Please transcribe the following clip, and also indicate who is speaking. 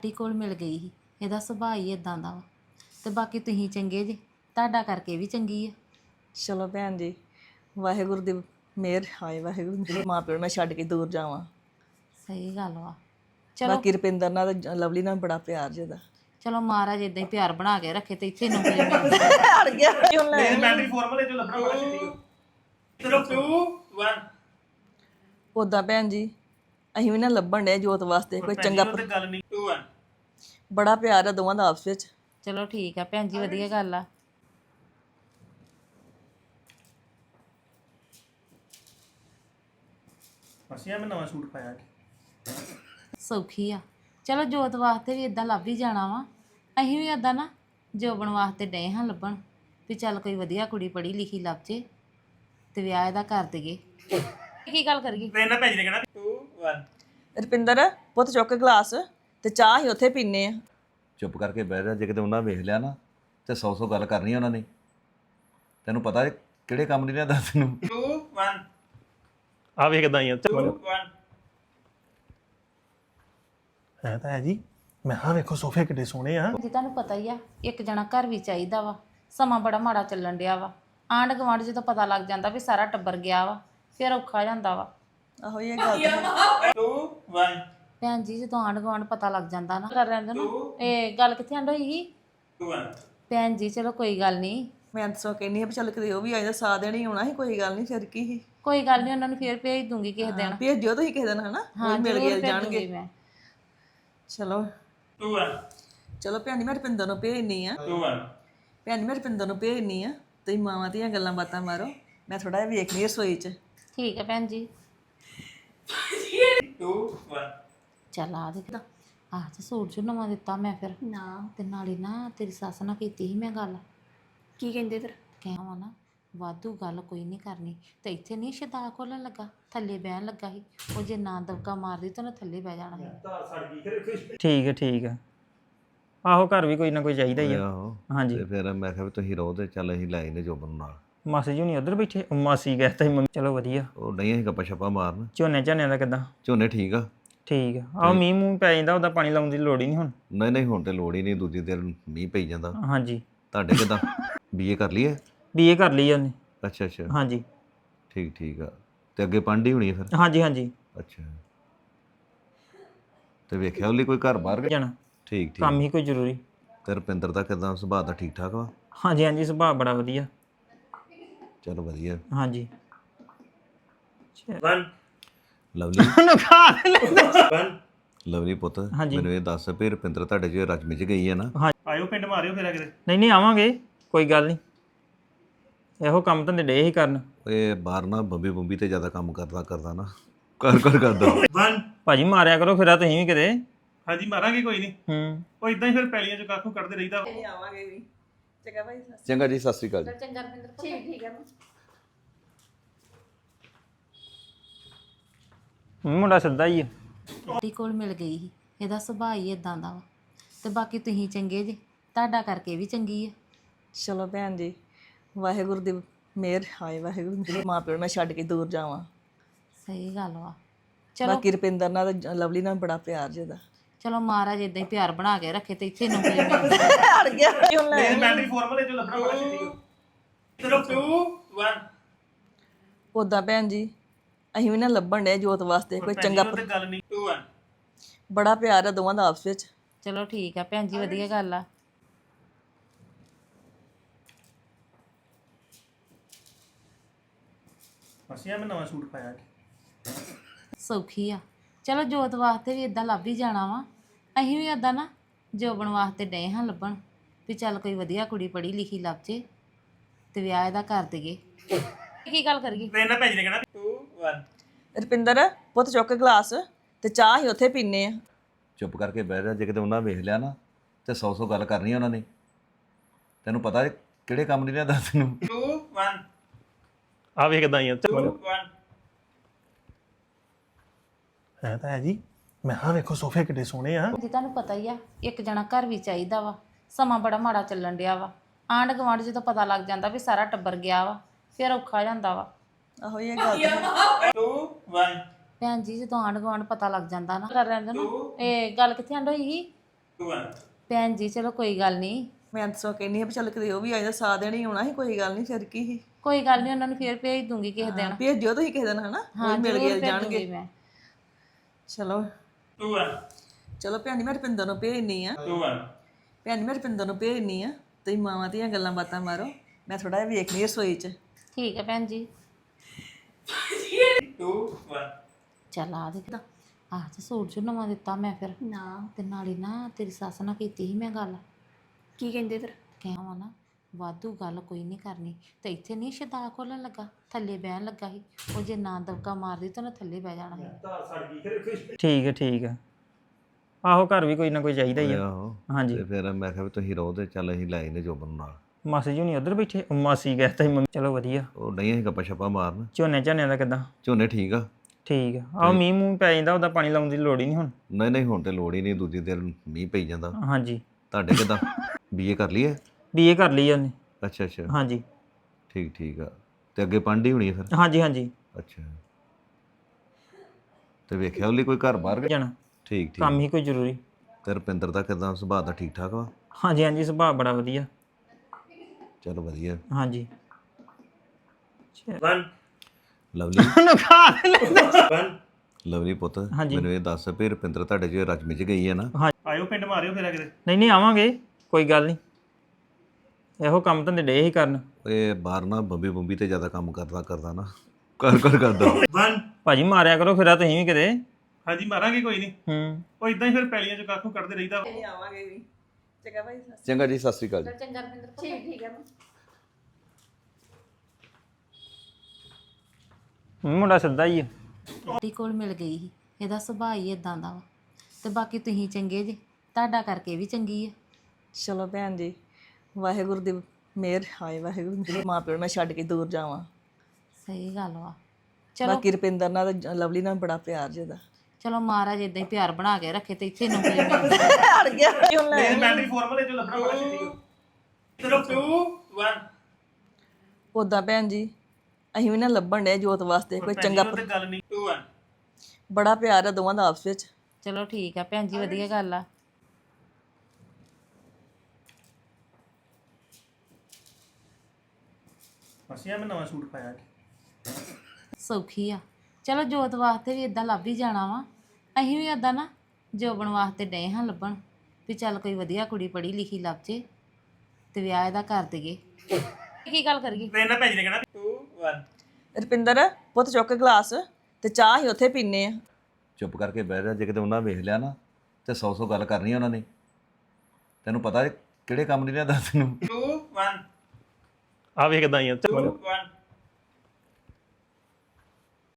Speaker 1: D ਕੋਲ ਮਿਲ ਗਈ ਸੀ। ਇਹਦਾ ਸੁਭਾਅ ਹੀ ਇਦਾਂ ਦਾ ਵਾ ਤੇ ਬਾਕੀ ਤੁਸੀਂ ਚੰਗੇ ਜੇ, ਤੁਹਾਡਾ ਕਰਕੇ ਵੀ ਚੰਗੀ ਆ।
Speaker 2: ਚਲੋ ਭੈਣ ਜੀ, ਵਾਹਿਗੁਰੂ ਦੀ ਮਿਹਰ। ਹਾਏ ਵਾਹਿਗੁਰੂ, ਮੇਰੇ ਮਾਂ ਪਿਓ ਨੂੰ ਮੈਂ ਛੱਡ ਕੇ ਦੂਰ ਜਾਵਾਂ।
Speaker 1: ਸਹੀ ਗੱਲ ਵਾ। ਚਲੋ
Speaker 2: ਬਾਕੀ ਰੁਪਿੰਦਰ ਨਾਲ ਤੇ ਲਵਲੀ ਨਾਲ ਬੜਾ ਪਿਆਰ ਜਿਹਦਾ।
Speaker 1: ਚਲੋ ਮਹਾਰਾਜ ਇਦਾਂ ਹੀ ਪਿਆਰ ਬਣਾ ਕੇ ਰੱਖੇ ਤੇ ਇੱਥੇ ਨੌਕਰੀ ਮਿਲ
Speaker 2: ਹਟ ਗਿਆ ਕਿਉਂ ਲੈ
Speaker 3: ਬੈਟਰੀ ਫਾਰਮੂਲੇ ਚੋਂ ਲੱਭਣਾ ਬੜਾ ਛੇਤੀ ਚਲੋ 2 1
Speaker 2: ਉਦਾਂ ਭੈਣ ਜੀ ਅਸੀਂ ਵੀ ਨਾ ਲੱਭਣ ਡਏ ਜੋਤ ਵਾਸਤੇ ਕੋਈ ਚੰਗਾ
Speaker 3: ਤੇ ਗੱਲ ਨਹੀਂ 2 1
Speaker 2: ਬੜਾ ਪਿਆਰ ਆ ਦੋਵਾਂ ਦਾ ਆਪਸ ਵਿੱਚ।
Speaker 1: ਚਲੋ ਠੀਕ ਆ ਭੈਣ ਜੀ, ਵਧੀਆ ਗੱਲ ਆ।
Speaker 3: ਅਸੀਂ ਮੈਂ ਨਵਾਂ ਸੂਟ ਪਾਇਆ
Speaker 1: ਸੌਖੀ ਆ। ਚਲੋ ਜੋਤ ਵਾਸਤੇ ਵੀ ਇਦਾਂ ਲੱਭ ਹੀ ਜਾਣਾ ਵਾ। ਅਸੀਂ ਵੀ ਇਦਾਂ ਨਾ ਜੋਬਣ ਵਾਸਤੇ ਡਏ ਹਾਂ ਲੱਭਣ ਵੀ ਚੱਲ ਕੋਈ ਵਧੀਆ ਕੁੜੀ ਪੜ੍ਹੀ ਲਿਖੀ ਲੱਭ ਜੇ ਤੇ ਵਿਆਹ ਇਹਦਾ ਕਰ ਦੇਈਏ। ਕੀ ਗੱਲ ਕਰੀਏ?
Speaker 3: ਤੇ ਇਹਨਾਂ ਭੈਣ ਜੀ ਨੇ ਕਹਿਣਾ 2 1
Speaker 2: ਰੁਪਿੰਦਰ ਪੁੱਤ ਚੁੱਕ ਗਲਾਸ ਤੇ ਚਾਹ ਹੀ ਉੱਥੇ ਪੀਨੇ ਆ।
Speaker 4: ਚੁੱਪ ਕਰਕੇ ਬਹਿ ਜਾ। ਜੇ ਕਿਤੇ ਉਹਨਾਂ ਵੇਖ ਲਿਆ ਨਾ ਤੇ 100 ਗੱਲ ਕਰਨੀ ਉਹਨਾਂ ਨੇ। ਤੈਨੂੰ ਪਤਾ ਕਿਹੜੇ ਕੰਮ ਨਹੀਂ ਲਿਆਂਦਾ ਤੈਨੂੰ।
Speaker 3: 2 1 ਆ ਵੇਖ ਕਿਦਾਂ ਹੀ 2 1 ਹੈ ਤਾਂ ਹੈ ਜੀ। ਮੈਂ ਹਾਂ ਵੇਖੋ ਸੋਫੇ ਕਿੱਡੇ ਸੋਹਣੇ ਆ।
Speaker 1: ਜੀ ਤੁਹਾਨੂੰ ਪਤਾ ਹੀ ਆ, ਇੱਕ ਜਣਾ ਘਰ ਵੀ ਚਾਹੀਦਾ ਵਾ। ਸਮਾਂ ਬੜਾ ਮਾੜਾ ਚੱਲਣ ਡਿਆ ਵਾ। ਆਂਢ ਗੁਆਂਢ ਜਦੋਂ ਪਤਾ ਲੱਗ ਜਾਂਦਾ ਵੀ ਸਾਰਾ ਟੱਬਰ ਗਿਆ ਵਾ ਫਿਰ ਔਖਾ ਜਾਂਦਾ ਵਾ।
Speaker 2: ਆਹੋ ਇਹ ਗੱਲ ਤਾਂ
Speaker 3: 2 1
Speaker 1: ਭੈਣ ਜੀ ਜਦੋਂ ਆਂਢ ਗੁਆਂਢ ਪਤਾ ਲੱਗ ਜਾਂਦਾ ਨਾ ਕਰ ਲੈਂਦੇ ਨਾ। ਇਹ ਗੱਲ ਕਿੱਥੇ ਆਂਡ ਹੋਈ ਸੀ?
Speaker 3: 2 1
Speaker 1: ਭੈਣ ਜੀ ਚਲੋ ਕੋਈ ਗੱਲ ਨਹੀਂ,
Speaker 2: ਮੈਂ ਤਾਂ ਸੋ ਕਹਿੰਦੀ ਆ ਵੀ ਚੱਲ ਕਿਤੇ ਉਹ ਵੀ ਆਇਦਾ ਸਾਥ ਦੇਣ ਹੀ ਆਉਣਾ ਸੀ। ਕੋਈ ਗੱਲ ਨਹੀਂ, ਫਿਰ ਕੀ ਸੀ।
Speaker 1: ਕੋਈ ਗੱਲ ਨਹੀਂ, ਉਹਨਾਂ ਨੂੰ ਫੇਰ ਭੇਜ ਦੂੰਗੀ ਕਿਸੇ ਦਿਨ।
Speaker 2: ਭੇਜਿਓ ਤੁਸੀਂ ਕਿਸੇ ਦਿਨ ਹਨਾ,
Speaker 1: ਹਾਂ
Speaker 2: ਮਿਲ
Speaker 1: ਜ਼ਰੂਰ
Speaker 2: ਗਏ
Speaker 1: ਭੇਜ
Speaker 2: ਜਾਣਗੇ।
Speaker 1: ਦੂੰਗੀ ਮੈਂ।
Speaker 2: ਚਲੋ
Speaker 3: 2 1
Speaker 2: ਚਲੋ ਭੈਣ ਜੀ ਮੈਂ ਰੁਪਿੰਦਰ ਨੂੰ ਭੇਜਨੀ ਆ।
Speaker 3: 2 1
Speaker 2: ਭੈਣ ਜੀ ਮੈਂ ਰੁਪਿੰਦਰ ਨੂੰ ਭੇਜਨੀ ਆ। ਤੁਸੀਂ ਮਾਵਾਂ ਦੀਆਂ ਗੱਲਾਂ ਬਾਤਾਂ ਮਾਰੋ, ਮੈਂ ਥੋੜਾ ਜਿਹਾ ਵੇਖਣੀ ਰਸੋਈ 'ਚ।
Speaker 1: ਠੀਕ ਹੈ ਭੈਣ ਜੀ।
Speaker 3: 2 1
Speaker 1: ਚੱਲ ਆ ਦੇਖਦਾ ਆਹ ਤੇ ਸੂਟ ਜੋ ਨਵਾਂ ਦਿੱਤਾ ਮੈਂ ਫਿਰ ਨਾ, ਤੇ ਨਾਲੇ ਨਾ ਤੇਰੀ ਸੱਸ ਨਾਲ ਕੀਤੀ ਸੀ ਮੈਂ ਗੱਲ।
Speaker 5: ਕੀ ਕਹਿੰਦੇ ਫਿਰ?
Speaker 1: ਕਿਹਾ ਵਾ ਨਾ ਵਾਧੂ ਗੱਲ ਕੋਈ ਨਹੀਂ ਕਰਨੀ। ਤੇ ਇੱਥੇ ਨਹੀਂ ਸ਼ਦਾ ਖੋਲਣ ਲੱਗਾ, ਥੱਲੇ ਬਹਿਣ ਲੱਗਾ ਸੀ। ਉਹ ਜੇ ਨਾ ਦਬਕਾ ਮਾਰਦੀ ਤਾਂ ਉਹਨੇ ਥੱਲੇ ਬਹਿ ਜਾਣਾ ਸੀ।
Speaker 6: ਠੀਕ ਹੈ ਆਹੋ ਘਰ ਵੀ ਕੋਈ ਨਾ ਕੋਈ ਚਾਹੀਦਾ ਹੀ ਆ।
Speaker 4: ਆਹੋ
Speaker 6: ਹਾਂਜੀ
Speaker 4: ਤੇ ਫਿਰ ਮੈਂ ਕਿਹਾ ਵੀ ਤੁਸੀਂ ਰਹੋ ਤੇ ਚੱਲ ਅਸੀਂ ਲੈ ਆਈਨੇ ਜੋਬਨ ਨੂੰ ਨਾਲ।
Speaker 6: ਮਾਸੀ ਜੀ ਨਹੀਂ ਉਧਰ ਬੈਠੇ? ਉਹ ਮਾਸੀ ਕਹਿਤਾ ਸੀ ਮੰਮੀ। ਚਲੋ ਵਧੀਆ।
Speaker 4: ਉਹ ਨਹੀਂ ਅਸੀਂ ਗੱਪਾਂ ਛੱਪਾਂ ਮਾਰਨ।
Speaker 6: ਝੋਨੇ ਝਾਨਿਆਂ ਦਾ ਕਿੱਦਾਂ?
Speaker 4: ਝੋਨੇ ਠੀਕ ਆ।
Speaker 6: ਠੀਕ ਆ। ਆਹ ਮੀਂਹ ਮੂੰਹ ਪੈ ਜਾਂਦਾ ਉਹਦਾ ਪਾਣੀ ਲਾਉਣ ਦੀ ਲੋੜ ਹੀ ਨਹੀਂ ਹੁਣ।
Speaker 4: ਨਹੀਂ ਹੁਣ ਤੇ ਲੋੜ ਹੀ ਨਹੀਂ, ਦੂਜੀ ਦਿਨ ਮੀਂਹ ਪਈ ਜਾਂਦਾ।
Speaker 6: ਹਾਂਜੀ
Speaker 4: ਤੁਹਾਡੇ ਕਿੱਦਾਂ ਬੀਏ ਕਰ ਲਈ ਹੈ?
Speaker 6: ਬੀਏ ਕਰ ਲਈ ਉਹਨੇ।
Speaker 4: ਅੱਛਾ
Speaker 6: ਹਾਂਜੀ
Speaker 4: ਠੀਕ ਆ। ਤੇ ਅੱਗੇ ਪੜ੍ਹਦੀ ਹੋਣੀ ਹੈ ਫਿਰ?
Speaker 6: ਹਾਂਜੀ
Speaker 4: ਅੱਛਾ ਤੇ ਵੇਖਿਆ ਉਹਲੀ ਕੋਈ ਘਰ ਬਾਹਰ?
Speaker 6: ਜਾਣਾ
Speaker 4: ਠੀਕ
Speaker 6: ਕੰਮ ਹੀ ਕੋਈ ਜ਼ਰੂਰੀ।
Speaker 4: ਤੇ ਰੁਪਿੰਦਰ ਦਾ ਕਿੱਦਾਂ ਸੁਭਾਅ ਦਾ? ਠੀਕ ਠਾਕ ਵਾ?
Speaker 6: ਹਾਂਜੀ ਸੁਭਾਅ ਬੜਾ ਵਧੀਆ।
Speaker 4: ਚਲੋ ਵਧੀਆ।
Speaker 6: ਹਾਂਜੀ
Speaker 3: 1
Speaker 4: ਲਵਲੀ
Speaker 3: 1
Speaker 4: ਲਵਲੀ ਪੁੱਤ
Speaker 6: ਹਾਂਜੀ।
Speaker 4: ਮੈਨੂੰ ਇਹ ਦੱਸ ਵੀ ਰੁਪਿੰਦਰ ਤੁਹਾਡੇ ਜੇ ਰਜਮੇ 'ਚ ਗਈ ਹੈ ਨਾ?
Speaker 3: ਆਇਓ ਪਿੰਡ ਮਾਰਿਓ ਫਿਰ ਅਗਲੇ।
Speaker 6: ਨਹੀਂ ਆਵਾਂਗੇ ਕੋਈ ਗੱਲ ਨਹੀਂ। ਇਹੋ ਕੰਮ ਧੰਦੇ ਡੇ ਹੀ ਕਰਨ।
Speaker 4: ਇਹ ਬਾਹਰ ਨਾ ਬੰਬੀ ਤੇ ਜ਼ਿਆਦਾ ਕੰਮ ਕਰਦਾ ਨਾ ਕਰ ਕਰਦਾ।
Speaker 3: 1
Speaker 6: ਭਾਜੀ ਮਾਰਿਆ ਕਰੋ ਫਿਰ ਤੁਸੀਂ ਵੀ ਕਿਤੇ।
Speaker 3: ਹਾਂਜੀ ਮਾਰਾਂਗੇ ਕੋਈ ਨਹੀਂ। ਉਹ ਇਦਾਂ ਹੀ ਫਿਰ ਪੈਲੀਆਂ ਚ ਕਾਖੂ ਕੱਢਦੇ ਰਹੀਦਾ।
Speaker 2: ਆਵਾਂਗੇ ਵੀ। ਚੰਗਾ ਭਾਈ।
Speaker 4: ਚੰਗਾ ਜੀ, ਸਤਿ ਸ਼੍ਰੀ ਅਕਾਲ ਜੀ।
Speaker 1: ਚੰਗਾ ਰਵਿੰਦਰ ਠੀਕ ਹੈ।
Speaker 6: ਮੁੰਡਾ ਸਿੱਧਾ ਹੀ ਆ।
Speaker 1: ਡੀ ਕੋਲ ਮਿਲ ਗਈ ਸੀ। ਇਹਦਾ ਸੁਭਾਅ ਹੀ ਇਦਾਂ ਦਾ ਵਾ ਤੇ ਬਾਕੀ ਤੁਸੀਂ ਚੰਗੇ ਜੇ, ਤੁਹਾਡਾ ਕਰਕੇ ਵੀ ਚੰਗੀ ਆ।
Speaker 2: ਚਲੋ ਭੈਣ ਜੀ, ਵਾਹਿਗੁਰੂ ਦੀ ਮਿਹਰ। ਹਾਏ ਵਾਹਿਗੁਰੂ, ਮੇਰੇ ਮਾਂ ਪਿਓ ਨੂੰ ਮੈਂ ਛੱਡ ਕੇ ਦੂਰ ਜਾਵਾਂ।
Speaker 1: ਸਹੀ ਗੱਲ ਵਾ। ਚਲੋ
Speaker 2: ਬਾਕੀ ਰੁਪਿੰਦਰ ਨਾਲ ਤੇ ਲਵਲੀ ਨਾਲ ਬੜਾ ਪਿਆਰ ਜਿਹਦਾ।
Speaker 1: ਚਲੋ ਮਹਾਰਾਜ ਇਦਾਂ ਹੀ ਪਿਆਰ ਬਣਾ ਕੇ ਰੱਖੇ ਤੇ ਇੱਥੇ ਨੌਕਰੀ ਮਿਲ
Speaker 2: ਹਟ ਗਿਆ ਕਿਉਂ ਲੈ
Speaker 3: ਬੈਟਰੀ ਫਾਰਮੂਲੇ ਚੋਂ ਲੱਭਣਾ ਬੜਾ ਛੇਤੀ ਚਲੋ 2 1
Speaker 2: ਉਦਾਂ ਭੈਣ ਜੀ ਅਸੀਂ ਵੀ ਨਾ ਲੱਭਣ ਡਏ ਜੋਤ ਵਾਸਤੇ ਕੋਈ ਚੰਗਾ
Speaker 3: ਤੇ ਗੱਲ ਨਹੀਂ 2 1
Speaker 2: ਬੜਾ ਪਿਆਰ ਆ ਦੋਵਾਂ ਦਾ ਆਪਸ ਵਿੱਚ।
Speaker 1: ਚਲੋ ਠੀਕ ਆ ਭੈਣ ਜੀ, ਵਧੀਆ ਗੱਲ ਆ।
Speaker 3: ਅਸੀਂ ਮੈਂ ਨਵਾਂ ਸੂਟ ਪਾਇਆ
Speaker 1: ਸੌਖੀ ਆ। ਚਲੋ ਜੋਤ ਵਾਸਤੇ ਵੀ ਇਦਾਂ ਲੱਭ ਹੀ ਜਾਣਾ ਵਾ। ਅਸੀਂ ਵੀ ਇਦਾਂ ਨਾ ਜੋਬਣ ਵਾਸਤੇ ਡਏ ਹਾਂ ਲੱਭਣ ਵੀ ਚੱਲ ਕੋਈ ਵਧੀਆ ਕੁੜੀ ਪੜ੍ਹੀ ਲਿਖੀ ਲੱਭ ਜੇ ਤੇ ਵਿਆਹ ਇਹਦਾ ਕਰ ਦੇਈਏ। ਕੀ ਗੱਲ ਕਰੀਏ?
Speaker 3: ਤੇ ਇਹਨਾਂ ਭੈਣ ਜੀ ਨੇ ਕਹਿਣਾ 2 1
Speaker 2: ਰੁਪਿੰਦਰ ਪੁੱਤ ਚੁੱਕ ਗਲਾਸ ਤੇ ਚਾਹ ਹੀ ਉੱਥੇ ਪੀਨੇ ਆ।
Speaker 4: ਚੁੱਪ ਕਰਕੇ ਬਹਿ ਜਾ। ਜੇ ਕਿਤੇ ਉਹਨਾਂ ਵੇਖ ਲਿਆ ਨਾ ਤੇ 100 ਗੱਲ ਕਰਨੀ ਉਹਨਾਂ ਨੇ। ਤੈਨੂੰ ਪਤਾ ਕਿਹੜੇ ਕੰਮ ਨਹੀਂ ਲਿਆਂਦਾ ਤੈਨੂੰ।
Speaker 3: 2 1 ਆ ਵੇਖ ਕਿਦਾਂ ਹੀ 2 1 ਹੈ ਤਾਂ ਹੈ ਜੀ। ਮੈਂ ਹਾਂ ਵੇਖੋ ਸੋਫੇ ਕਿੱਡੇ ਸੋਹਣੇ ਆ।
Speaker 1: ਜੀ ਤੁਹਾਨੂੰ ਪਤਾ ਹੀ ਆ, ਇੱਕ ਜਣਾ ਘਰ ਵੀ ਚਾਹੀਦਾ ਵਾ। ਸਮਾਂ ਬੜਾ ਮਾੜਾ ਚੱਲਣ ਡਿਆ ਵਾ। ਆਂਢ ਗੁਆਂਢ ਜਦੋਂ ਪਤਾ ਲੱਗ ਜਾਂਦਾ ਵੀ ਸਾਰਾ ਟੱਬਰ ਗਿਆ ਵਾ ਫਿਰ ਔਖਾ ਜਾਂਦਾ ਵਾ।
Speaker 2: ਆਹੋ ਇਹ ਗੱਲ ਤਾਂ
Speaker 3: 2 1
Speaker 1: ਭੈਣ ਜੀ ਜਦੋਂ ਆਂਢ ਗੁਆਂਢ ਪਤਾ ਲੱਗ ਜਾਂਦਾ ਨਾ ਕਰ ਲੈਂਦੇ ਨਾ। ਇਹ ਗੱਲ ਕਿੱਥੇ ਆਂਡ ਹੋਈ ਸੀ?
Speaker 3: 2 1
Speaker 1: ਭੈਣ ਜੀ ਚਲੋ ਕੋਈ ਗੱਲ ਨਹੀਂ,
Speaker 2: ਮੈਂ ਤਾਂ ਸੋ ਕਹਿੰਦੀ ਆ ਵੀ ਚੱਲ ਕਿਤੇ ਉਹ ਵੀ ਆਇਦਾ ਸਾਥ ਦੇਣ ਹੀ ਆਉਣਾ ਸੀ, ਕੋਈ ਗੱਲ ਨਹੀਂ ਫਿਰ ਕੀ ਸੀ।
Speaker 1: ਕੋਈ ਗੱਲ ਨਹੀਂ, ਉਹਨਾਂ ਨੂੰ ਫੇਰ ਭੇਜ ਦੂੰਗੀ ਕਿਸੇ ਦਿਨ।
Speaker 2: ਭੇਜਿਓ ਤੁਸੀਂ ਕਿਸੇ ਦਿਨ ਹਨਾ,
Speaker 1: ਹਾਂ
Speaker 2: ਉਹ ਮਿਲ
Speaker 1: ਜ਼ਰੂਰ
Speaker 2: ਗਏ
Speaker 1: ਭੇਜੂੰਗੀ
Speaker 2: ਜਾਣਗੇ।
Speaker 1: ਮੈਂ।
Speaker 2: ਚਲੋ
Speaker 3: 2 1
Speaker 2: ਚਲੋ ਭੈਣ ਜੀ ਮੈਂ ਰੁਪਿੰਦਰ ਨੂੰ ਭੇਜਨੀ ਆ,
Speaker 3: 2 1
Speaker 2: ਭੈਣ ਜੀ ਮੈਂ ਰੁਪਿੰਦਰ ਨੂੰ ਭੇਜਨੀ ਆ, ਤੁਸੀਂ ਮਾਵਾਂ ਦੀਆਂ ਗੱਲਾਂ ਬਾਤਾਂ ਮਾਰੋ, ਮੈਂ ਥੋੜਾ ਜਿਹਾ ਵੇਖਣੀ ਰਸੋਈ 'ਚ।
Speaker 1: ਠੀਕ ਹੈ ਭੈਣ ਜੀ।
Speaker 3: 2 1
Speaker 1: ਚੱਲ ਆ ਦੇਖਦਾ, ਆਹ ਤੇ ਸੂਟ ਜੋ ਨਵਾਂ ਦਿੱਤਾ ਮੈਂ ਫਿਰ ਨਾ, ਤੇ ਨਾਲੇ ਨਾ ਤੇਰੀ ਸੱਸ ਨਾਲ ਕੀਤੀ ਸੀ ਮੈਂ ਗੱਲ।
Speaker 5: ਕੀ ਕਹਿੰਦੇ ਫਿਰ?
Speaker 1: ਕਿਹਾ ਵਾ ਨਾ ਵਾਧੂ ਗੱਲ ਕੋਈ ਨਹੀਂ ਕਰਨੀ, ਤੇ ਇੱਥੇ ਨਹੀਂ ਸ਼ਦਾ ਖੋਲਣ ਲੱਗਾ, ਥੱਲੇ ਬਹਿਣ ਲੱਗਾ ਸੀ। ਉਹ ਜੇ ਨਾ ਦਬਕਾ ਮਾਰਦੀ ਤਾਂ ਉਹਨੇ ਥੱਲੇ ਬਹਿ ਜਾਣਾ ਸੀ।
Speaker 6: ਠੀਕ ਹੈ ਆਹੋ ਘਰ ਵੀ ਕੋਈ ਨਾ ਕੋਈ ਚਾਹੀਦਾ ਹੀ ਆ।
Speaker 4: ਆਹੋ
Speaker 6: ਹਾਂਜੀ
Speaker 4: ਤੇ ਫਿਰ ਮੈਂ ਕਿਹਾ ਵੀ ਤੁਸੀਂ ਰਹੋ ਤੇ ਚੱਲ ਅਸੀਂ ਲੈ ਨੇ ਜੋਬਨ ਨੂੰ ਨਾਲ।
Speaker 6: ਮਾਸੀ ਜੀ ਨਹੀਂ ਉਧਰ ਬੈਠੇ? ਉਹ ਮਾਸੀ ਕਹਿੰਦਾ ਸੀ ਮੰਮੀ। ਚਲੋ ਵਧੀਆ।
Speaker 4: ਉਹ ਨਹੀਂ ਅਸੀਂ ਗੱਪਾਂ ਛੱਪਾਂ ਮਾਰਨ।
Speaker 6: ਝੋਨੇ ਝਾਨਿਆਂ ਦਾ ਕਿੱਦਾਂ?
Speaker 4: ਝੋਨੇ ਠੀਕ ਆ।
Speaker 6: ਠੀਕ ਆ। ਆਹ ਮੀਂਹ ਮੂੰਹ ਪੈ ਜਾਂਦਾ, ਉਹਦਾ ਪਾਣੀ ਲਾਉਣ ਦੀ ਲੋੜ ਹੀ ਨਹੀਂ ਹੁਣ।
Speaker 4: ਨਹੀਂ ਹੁਣ ਤੇ ਲੋੜ ਹੀ ਨਹੀਂ, ਦੂਜੀ ਦਿਨ ਮੀਂਹ ਪਈ ਜਾਂਦਾ।
Speaker 6: ਹਾਂਜੀ
Speaker 4: ਤੁਹਾਡੇ ਕਿੱਦਾਂ ਬੀਏ ਕਰ ਲਈ ਹੈ?
Speaker 6: ਬੀਏ ਕਰ ਲਈ ਆ ਉਹਨੇ।
Speaker 4: ਅੱਛਾ
Speaker 6: ਹਾਂਜੀ
Speaker 4: ਠੀਕ ਆ। ਤੇ ਅੱਗੇ ਪੜ੍ਹਦੀ ਹੋਣੀ ਹੈ ਫਿਰ?
Speaker 6: ਹਾਂਜੀ
Speaker 4: ਅੱਛਾ ਤੇ ਵੇਖਿਆ ਉਹਲੀ ਕੋਈ ਘਰ ਬਾਹਰ?
Speaker 6: ਜਾਣਾ
Speaker 4: ਠੀਕ
Speaker 6: ਕੰਮ ਹੀ ਕੋਈ ਜ਼ਰੂਰੀ।
Speaker 4: ਤੇ ਰੁਪਿੰਦਰ ਦਾ ਕਿੱਦਾਂ ਸੁਭਾਅ ਦਾ ਠੀਕ ਠਾਕ ਵਾ?
Speaker 6: ਹਾਂਜੀ ਸੁਭਾਅ ਬੜਾ ਵਧੀਆ।
Speaker 4: ਚਲੋ ਵਧੀਆ।
Speaker 6: ਹਾਂਜੀ
Speaker 3: 1
Speaker 4: ਲਵਲੀ
Speaker 3: 1
Speaker 4: ਲਵਲੀ ਪੁੱਤ
Speaker 6: ਹਾਂਜੀ।
Speaker 4: ਮੈਨੂੰ ਇਹ ਦੱਸ ਵੀ ਰੁਪਿੰਦਰ ਤੁਹਾਡੇ ਜੇ ਰਜਮੇ ਚ ਗਈ ਹੈ ਨਾ?
Speaker 3: ਆਇਓ ਪਿੰਡ ਮਾਰਿਓ ਫਿਰ ਅਗਲੇ।
Speaker 6: ਨਹੀਂ ਆਵਾਂਗੇ, ਕੋਈ ਗੱਲ ਨਹੀਂ। ਇਹੋ ਕੰਮ ਧੰਦੇ ਡੇ ਹੀ ਕਰਨ।
Speaker 4: ਇਹ ਬਾਹਰ ਨਾ ਬੰਬੀ ਤੇ ਜ਼ਿਆਦਾ ਕੰਮ ਕਰਦਾ ਨਾ, ਕਰ ਕਰਦਾ।
Speaker 3: 1
Speaker 6: ਭਾਜੀ ਮਾਰਿਆ ਕਰੋ ਫਿਰ ਤੁਸੀਂ ਵੀ ਕਿਤੇ।
Speaker 3: ਹਾਂਜੀ ਮਾਰਾਂਗੇ ਕੋਈ ਨਹੀਂ,
Speaker 6: ਹੂੰ
Speaker 3: ਉਹ ਇਦਾਂ ਹੀ ਫਿਰ ਪੈਲੀਆਂ ਚ ਕਾਖੂ ਕੱਢਦੇ ਰਹੀਦਾ।
Speaker 2: ਆਵਾਂਗੇ ਵੀ। ਚੰਗਾ ਭਾਈ।
Speaker 4: ਚੰਗਾ ਜੀ, ਸਤਿ ਸ੍ਰੀ ਅਕਾਲ ਜੀ।
Speaker 1: ਚੰਗਾ ਰਵਿੰਦਰ।
Speaker 5: ਠੀਕ ਹੈ।
Speaker 6: ਮੁੰਡਾ ਸਿੱਧਾ ਹੀ ਆ।
Speaker 1: ਤੁਹਾਡੀ ਕੋਲ ਮਿਲ ਗਈ ਸੀ, ਇਹਦਾ ਸੁਭਾਅ ਹੀ ਇਦਾਂ ਦਾ ਵਾ। ਤੇ ਬਾਕੀ ਤੁਸੀਂ ਚੰਗੇ ਜੇ, ਤੁਹਾਡਾ ਕਰਕੇ ਵੀ ਚੰਗੀ ਹੈ।
Speaker 2: ਚਲੋ ਭੈਣ ਜੀ, ਵਾਹਿਗੁਰੂ ਦੀ ਮਿਹਰ, ਹਾਏ ਵਾਹਿਗੁਰੂ ਮੇਰੇ ਮਾਂ ਪਿਓ ਨੂੰ ਮੈਂ ਛੱਡ ਕੇ ਦੂਰ ਜਾਵਾਂ।
Speaker 1: ਸਹੀ ਗੱਲ ਵਾ। ਚਲੋ
Speaker 2: ਬਾਕੀ ਰੁਪਿੰਦਰ ਨਾਲ ਤੇ ਲਵਲੀ ਨਾਲ ਬੜਾ ਪਿਆਰ ਜਿਹਦਾ।
Speaker 1: ਚਲੋ ਮਹਾਰਾਜ ਇਦਾਂ ਹੀ ਪਿਆਰ ਬਣਾ ਕੇ ਰੱਖੇ ਤੇ ਇੱਥੇ ਨੌਕਰੀ ਮਿਲ
Speaker 2: ਹਟ ਗਿਆ ਕਿਉਂ ਲੈ?
Speaker 3: ਇਹ ਬੈਟਰੀ ਫਾਰਮੂਲੇ ਚ ਲੱਭਣਾ ਬੜਾ ਛੇਤੀ। ਚਲੋ 2 1
Speaker 2: ਉਦਾਂ ਭੈਣ ਜੀ ਅਸੀਂ ਵੀ ਨਾ ਲੱਭਣ ਡਏ ਜੋਤ ਵਾਸਤੇ ਕੋਈ ਚੰਗਾ
Speaker 3: ਤੇ ਗੱਲ ਨਹੀਂ। 2 1
Speaker 2: ਬੜਾ ਪਿਆਰ ਆ ਦੋਵਾਂ ਦਾ ਆਪਸ ਵਿੱਚ।
Speaker 1: ਚਲੋ ਠੀਕ ਆ ਭੈਣ ਜੀ, ਵਧੀਆ ਗੱਲ ਆ।
Speaker 3: ਅਸੀਂ ਮੈਂ ਨਵਾਂ ਸੂਟ ਪਾਇਆ।
Speaker 1: ਸੌਖੀ ਆ। ਚਲੋ ਜੋਤ ਵਾਸਤੇ ਵੀ ਇਦਾਂ ਲੱਭ ਹੀ ਜਾਣਾ ਵਾ। ਅਸੀਂ ਵੀ ਇਦਾਂ ਨਾ ਜੋਬਣ ਵਾਸਤੇ ਡਏ ਹਾਂ ਲੱਭਣ, ਵੀ ਚੱਲ ਕੋਈ ਵਧੀਆ ਕੁੜੀ ਪੜ੍ਹੀ ਲਿਖੀ ਲੱਭ ਜੇ ਤੇ ਵਿਆਹ ਇਹਦਾ ਕਰ ਦੇਈਏ। ਕੀ ਗੱਲ ਕਰੀਏ?
Speaker 3: ਤੇ ਇਹਨਾਂ ਭੈਣ ਜੀ ਨੇ ਕਹਿਣਾ 2 1
Speaker 2: ਰੁਪਿੰਦਰ ਪੁੱਤ ਚੁੱਕ ਗਲਾਸ ਤੇ ਚਾਹ ਹੀ ਉੱਥੇ ਪੀਨੇ ਆ।
Speaker 4: ਚੁੱਪ ਕਰਕੇ ਬਹਿ ਜਾ, ਜੇ ਕਿਤੇ ਉਹਨਾਂ ਵੇਖ ਲਿਆ ਨਾ ਤੇ 100 ਗੱਲ ਕਰਨੀ ਉਹਨਾਂ ਨੇ। ਤੈਨੂੰ ਪਤਾ ਕਿਹੜੇ ਕੰਮ ਨਹੀਂ ਲਿਆਂਦਾ ਤੈਨੂੰ।
Speaker 3: 2 1
Speaker 6: ਆ ਵੇਖਦਾ ਹੀ ਆ।
Speaker 3: 2 1